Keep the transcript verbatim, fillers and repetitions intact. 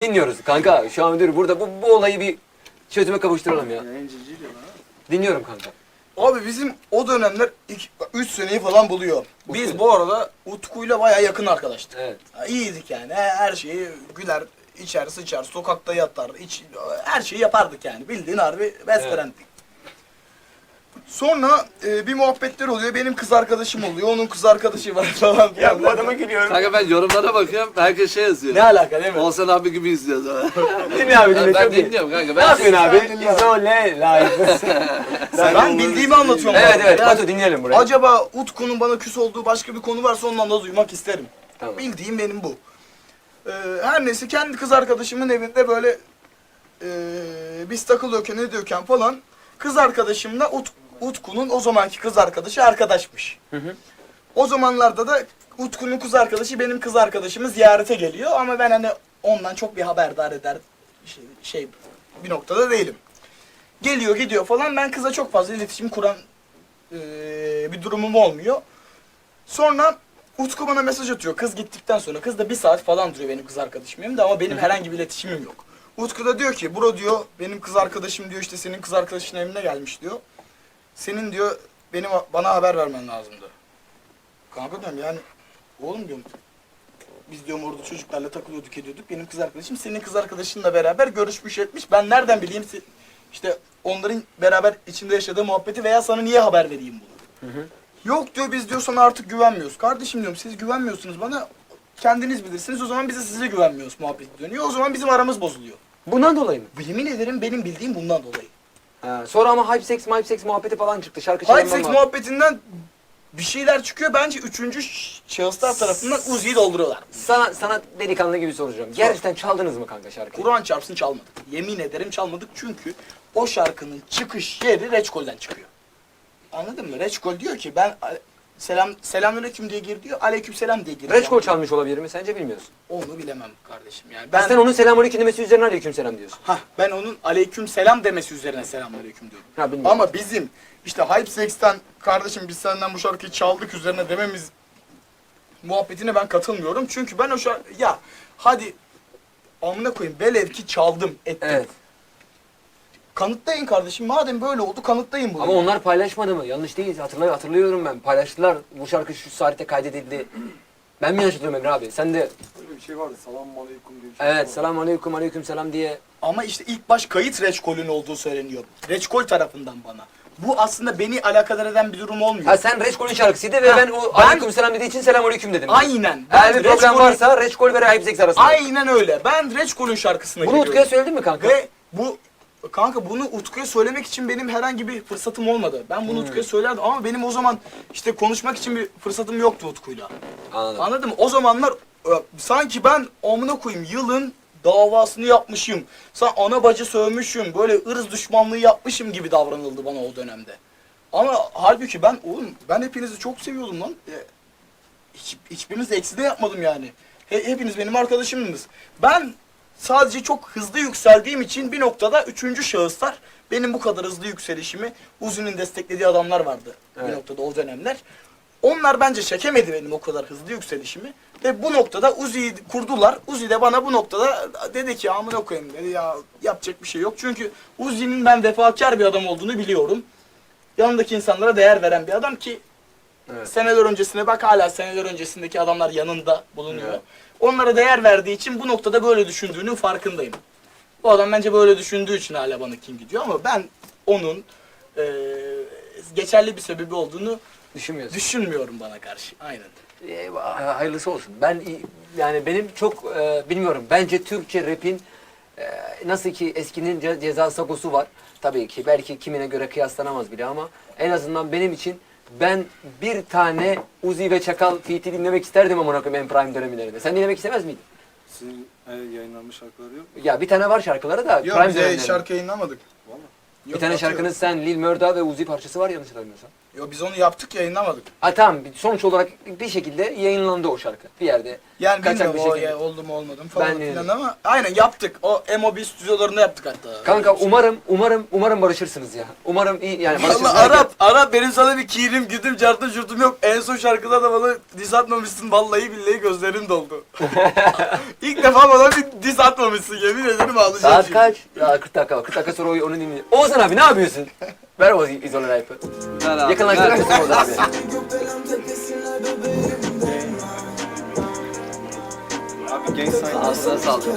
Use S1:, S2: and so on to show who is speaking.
S1: Dinliyoruz kanka. Şu an dur burada bu, bu olayı bir çözüme kavuşturalım ya. Dinliyorum kanka.
S2: Abi bizim o dönemler üç seneyi falan buluyor. Biz bu arada Utku'yla bayağı yakın arkadaştık.
S1: Evet.
S2: Ha, İyiydik yani. Her her şeyi güler, içer, sıçar, sokakta yatar, iç, her şeyi yapardık yani. Bildiğin harbi best
S1: Evet.
S2: friend'dik. Sonra e, bir muhabbetler oluyor. Benim kız arkadaşım oluyor. Onun kız arkadaşı var falan filan.
S1: Ya bu adama gülüyorum.
S3: Kanka ben yorumlara bakıyorum, herkes şey yazıyor.
S2: Ne alaka değil mi?
S3: Oğuzhan abi gibi izliyoruz.
S1: Dinle abi dinle.
S3: Ben
S1: çok iyi.
S3: dinliyorum kanka.
S1: Ne
S3: Ben
S1: yapıyorsun abi?
S2: Sen dinle.
S1: İzole live.
S2: Ben bildiğimi anlatıyorum.
S1: Evet
S2: abi.
S1: evet.
S2: Yani
S1: Batu dinleyelim burayı.
S2: acaba Utku'nun bana küs olduğu başka bir konu varsa ondan da duymak isterim.
S1: Tamam.
S2: Bildiğim benim bu. Ee, her neyse kendi kız arkadaşımın evinde böyle e, biz takılıyorken ne diyorken falan kız arkadaşımla Ut, Utku'nun o zamanki kız arkadaşı arkadaşmış.
S1: Hı hı.
S2: O zamanlarda da Utku'nun kız arkadaşı benim kız arkadaşımı ziyarete geliyor ama ben hani ondan çok bir haberdar eder şey, şey bir noktada değilim. Geliyor gidiyor falan ben kıza çok fazla iletişim kuran e, bir durumum olmuyor. Sonra Utku bana mesaj atıyor kız gittikten sonra. Kız da bir saat falan duruyor benim kız arkadaşım yanımda ama benim herhangi bir iletişimim yok. Utku da diyor ki bro diyor benim kız arkadaşım diyor işte senin kız arkadaşın evine gelmiş diyor. Senin diyor benim bana haber vermen lazımdı. Kanka diyorum yani oğlum diyorum biz diyorum orada çocuklarla takılıyorduk ediyorduk. Benim kız arkadaşım senin kız arkadaşınla beraber görüşmüş etmiş. Ben nereden bileyim işte onların beraber içinde yaşadığı muhabbeti veya sana niye haber vereyim bunu? Hı hı. Yok diyor biz diyor sana artık güvenmiyoruz. Kardeşim diyorum siz güvenmiyorsunuz bana kendiniz bilirsiniz o zaman biz de size güvenmiyoruz muhabbeti dönüyor. O zaman bizim aramız bozuluyor.
S1: Bundan dolayı mı?
S2: Yemin ederim benim bildiğim bundan dolayı.
S1: Ha, sonra ama hype sex, hype sex muhabbeti falan çıktı. Şarkı
S2: Hype
S1: çalınma
S2: sex
S1: muhabbeti.
S2: muhabbetinden bir şeyler çıkıyor. Bence üçüncü şahıslar tarafından Uzi'yi dolduruyorlar.
S1: Sana, sana delikanlı gibi soracağım. Gerçekten çaldınız mı kanka şarkıyı?
S2: Kur'an çarpsın çalmadık. Yemin ederim çalmadık çünkü o şarkının çıkış yeri Reçkol'den çıkıyor. Anladın mı? Reçkol diyor ki ben selam selamünaleyküm diye gir diyor. Aleykümselam diye gir.
S1: Reçkol çalmış olabilir mi? Sence bilmiyorsun.
S2: Onu bilemem kardeşim yani.
S1: Ben... Sen onun selamünaleyküm demesi üzerine aleykümselam diyorsun.
S2: Hah ben onun aleykümselam demesi üzerine selamünaleyküm diyorum.
S1: Ha, bilmiyorum.
S2: Ama bizim işte Hype Sex'ten kardeşim biz senden bu şarkıyı çaldık üzerine dememiz muhabbetine ben katılmıyorum. Çünkü ben o şarkı ya hadi amına koyayım velev ki çaldım ettim.
S1: Evet.
S2: Kanıtlayın kardeşim madem böyle oldu kanıtlayın bunu.
S1: Ama onlar paylaşmadı mı? Yanlış değil. Hatırlay hatırlıyorum ben. Paylaştılar. Bu şarkı şu saatte kaydedildi. Ben mi yanlış hatırlıyorum Emre abi? Sen de...
S4: Öyle bir şey vardı. Selamun aleyküm diye bir şey
S1: Evet.
S4: vardı.
S1: Selamun aleyküm aleyküm selam diye.
S2: Ama işte ilk baş kayıt Reçkol'ün olduğu söyleniyor. Reçkol tarafından bana. Bu aslında beni alakadar eden bir durum olmuyor.
S1: Ha sen Reçkol'ün şarkısıydı ve
S2: Ha,
S1: ben o
S2: ben-
S1: aleyküm selam dediği için selam aleyküm dedim.
S2: Aynen.
S1: Eğer bir problem
S2: Reçkol'ün-
S1: varsa Reçkol ve Hype Sex arasında.
S2: Aynen öyle. Ben Reçkol'ün şarkısına
S1: Bunu
S2: giriyorum.
S1: Utku'ya söyledin mi kanka?
S2: Ve bu kanka bunu Utku'ya söylemek için benim herhangi bir fırsatım olmadı. Ben bunu
S1: Hmm.
S2: Utku'ya söylerdim ama benim o zaman işte konuşmak için bir fırsatım yoktu Utku'yla.
S1: Anladım.
S2: Anladın mı? O zamanlar e, sanki ben amına koyayım yılın davasını yapmışım. Sen ana bacı sövmüşüm. Böyle ırz düşmanlığı yapmışım gibi davranıldı bana o dönemde. Ama halbuki ben oğlum ben hepinizi çok seviyordum lan. E, hiç, hiçbiriniz eksi de yapmadım yani. He, hepiniz benim arkadaşımdınız. Ben sadece çok hızlı yükseldiğim için bir noktada üçüncü şahıslar benim bu kadar hızlı yükselişimi Uzi'nin desteklediği adamlar vardı
S1: Evet.
S2: bir noktada o dönemler. Onlar bence çekemedi benim o kadar hızlı yükselişimi. Ve bu noktada Uzi'yi kurdular. Uzi de bana bu noktada dedi ki amına koyayım dedi ya yapacak bir şey yok. Çünkü Uzi'nin ben vefakar bir adam olduğunu biliyorum. Yanındaki insanlara değer veren bir adam ki
S1: Evet.
S2: seneler öncesine bak hala seneler öncesindeki adamlar yanında bulunuyor.
S1: Evet.
S2: Onlara değer verdiği için bu noktada böyle düşündüğünün farkındayım. Bu adam bence böyle düşündüğü için hala bana kim gidiyor ama ben onun eee, geçerli bir sebebi olduğunu
S1: Düşünmüyorsun.
S2: düşünmüyorum bana karşı. Aynen.
S1: Eyvah, hayırlısı olsun. Ben yani benim çok e, bilmiyorum. Bence Türkçe rap'in e, nasıl ki eskinin ce ceza sagosu var. Tabii ki belki kimine göre kıyaslanamaz bile ama en azından benim için ben bir tane Uzi ve Çakal feat'i dinlemek isterdim amına koyayım en prime dönemlerinde. Sen dinlemek istemez miydin?
S4: Sizin e, yayınlanmış şarkıları yok mu?
S1: Ya bir tane var şarkıları da
S2: Yok
S1: prime
S2: bize
S1: dönemlerinde.
S2: şarkı yayınlamadık.
S4: Valla.
S1: Bir tane şarkının sen Lil Murda ve Uzi parçası var yanlış hatırlamıyorsam.
S2: Yo biz onu yaptık yayınlamadık.
S1: Ha tamam, sonuç olarak bir şekilde yayınlandı o şarkı bir yerde.
S2: Yani
S1: Kaçak
S2: bilmiyorum
S1: bir
S2: o
S1: şekilde.
S2: ya, oldu mu olmadı mı falan
S1: Ben de
S2: filan
S1: yedim.
S2: ama aynen yaptık. O M O B stüdyolarında yaptık hatta.
S1: Kanka umarım umarım umarım barışırsınız ya. Umarım iyi yani barışırsınız.
S2: Valla Arap, Arap benim sana bir kirim güdüm cartım jurtum yok. En son şarkıda da bana diss atmamışsın. Vallahi billahi gözlerim doldu. İlk defa bana bir diss atmamışsın, yemin ederim ağlayacağım.
S1: Saat
S2: şimdi.
S1: kaç? Ya kırk dakika var. kırk dakika sonra onu dinleyelim. Oğuzhan abi ne yapıyorsun? Ver o izole life'ı.
S3: Ver abi.
S1: Yakınlaştırır mısın Oğuzhan abi?
S4: Abi Gang Sign.
S1: Ağzına sağlık.